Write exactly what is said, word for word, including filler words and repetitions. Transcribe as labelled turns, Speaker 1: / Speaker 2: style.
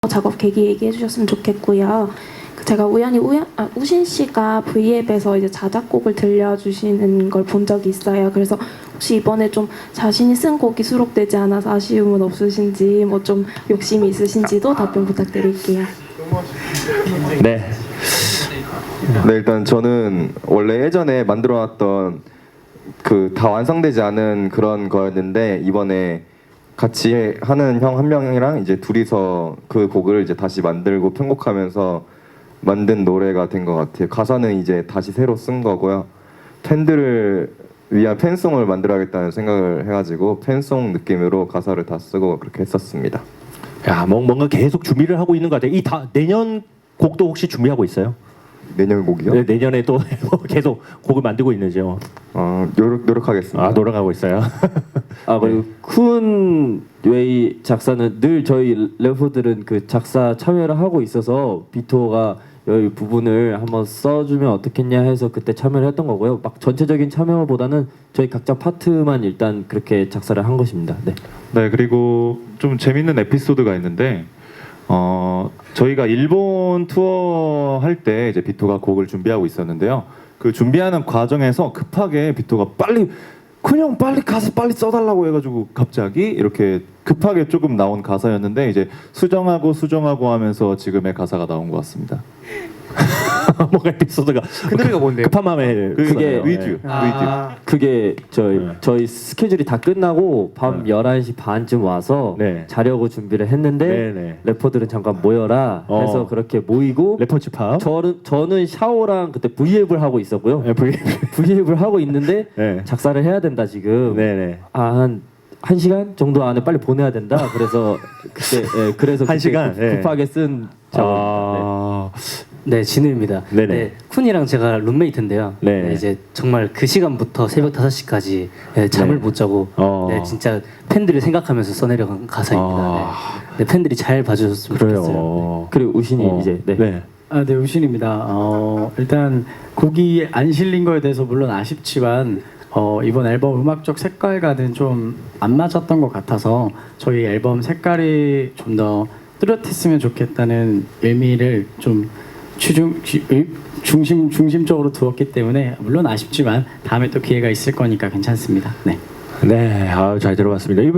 Speaker 1: 작업 계기 얘기해 주셨으면 좋겠고요. 그 제가 우연히 우연, 아, 우신 씨가 브이앱에서 이제 자작곡을 들려주시는 걸 본 적이 있어요. 그래서 혹시 이번에 좀 자신이 쓴 곡이 수록되지 않아서 아쉬움은 없으신지, 뭐 좀 욕심이 있으신지도 답변 부탁드릴게요.
Speaker 2: 네.
Speaker 3: 네, 일단 저는 원래 예전에 만들어놨던 그 다 완성되지 않은 그런 거였는데 이번에 같이 하는 형 한 명이랑 이제 둘이서 그 곡을 이제 다시 만들고 편곡하면서 만든 노래가 된 것 같아요. 가사는 이제 다시 새로 쓴 거고요. 팬들을 위한 팬송을 만들어야겠다는 생각을 해가지고 팬송 느낌으로 가사를 다 쓰고 그렇게 했었습니다.
Speaker 2: 야, 뭐, 뭔가 계속 준비를 하고 있는 것 같아요. 이 다 내년 곡도 혹시 준비하고 있어요?
Speaker 3: 내년 곡이요?
Speaker 2: 네, 내년에 또 계속 곡을 만들고 있는지요?
Speaker 3: 어, 노력, 노력하겠습니다.
Speaker 2: 아, 노력하고 있어요.
Speaker 4: 아 그리고 쿤 웨이 작사는 늘 저희 래퍼들은 그 작사 참여를 하고 있어서 비토가 여기 부분을 한번 써주면 어떻겠냐 해서 그때 참여를 했던 거고요. 막 전체적인 참여보다는 저희 각자 파트만 일단 그렇게 작사를 한 것입니다. 네.
Speaker 5: 네, 그리고 좀 재밌는 에피소드가 있는데 어, 저희가 일본 투어 할 때 이제 비토가 곡을 준비하고 있었는데요. 그 준비하는 과정에서 급하게 비토가 빨리 그냥 빨리 가서 빨리 써달라고 해가지고 갑자기 이렇게 급하게 조금 나온 가사였는데 이제 수정하고 수정하고 하면서 지금의 가사가 나온 것 같습니다.
Speaker 2: 뭔가 에피소드가
Speaker 5: 그 노래가 뭔데요?
Speaker 2: 급한 마음에
Speaker 5: 그게
Speaker 4: 그게
Speaker 5: 위드, 위드.
Speaker 4: 그게 저희
Speaker 2: 네.
Speaker 4: 저희 스케줄이 다 끝나고 밤
Speaker 2: 네.
Speaker 4: 열한 시 반쯤 와서
Speaker 2: 네.
Speaker 4: 자려고 준비를 했는데
Speaker 2: 네, 네.
Speaker 4: 래퍼들은 잠깐 모여라
Speaker 2: 어.
Speaker 4: 해서 그렇게 모이고
Speaker 2: 래퍼 집합.
Speaker 4: 저는 저는 샤오랑 그때 브이앱을 하고 있었고요.
Speaker 2: 네, V.
Speaker 4: 브이앱을 하고 있는데
Speaker 2: 네.
Speaker 4: 작사를 해야 된다 지금.
Speaker 2: 네, 네.
Speaker 4: 한 한 시간 정도 안에 빨리 보내야 된다. 그래서 그때 예, 그래서
Speaker 2: 한
Speaker 4: 그때
Speaker 2: 시간?
Speaker 4: 급-
Speaker 2: 네.
Speaker 4: 급하게 쓴 작업입니다.
Speaker 2: 아,
Speaker 6: 네, 진우입니다.
Speaker 2: 네네.
Speaker 6: 네, 쿤이랑 제가 룸메이트인데요.
Speaker 2: 네.
Speaker 6: 네, 이제 정말 그 시간부터 새벽 다섯 시까지 네, 잠을
Speaker 2: 네.
Speaker 6: 못 자고
Speaker 2: 어.
Speaker 6: 네, 진짜 팬들을 생각하면서 써내려간 가사입니다.
Speaker 2: 아.
Speaker 6: 네. 네, 팬들이 잘 봐주셨으면 좋겠어요.
Speaker 2: 그래요.
Speaker 4: 그리고 우신이
Speaker 2: 어,
Speaker 4: 이제 네.
Speaker 2: 네.
Speaker 7: 아, 네, 우신입니다. 어, 일단 곡이 안 실린 거에 대해서 물론 아쉽지만 어, 이번 앨범 음악적 색깔과는 좀 안 맞았던 것 같아서 저희 앨범 색깔이 좀 더 뚜렷했으면 좋겠다는 의미를 좀 추중, 주- 의- 중심, 중심적으로 두었기 때문에 물론 아쉽지만 다음에 또 기회가 있을 거니까 괜찮습니다. 네.
Speaker 2: 네, 아, 잘 들어봤습니다.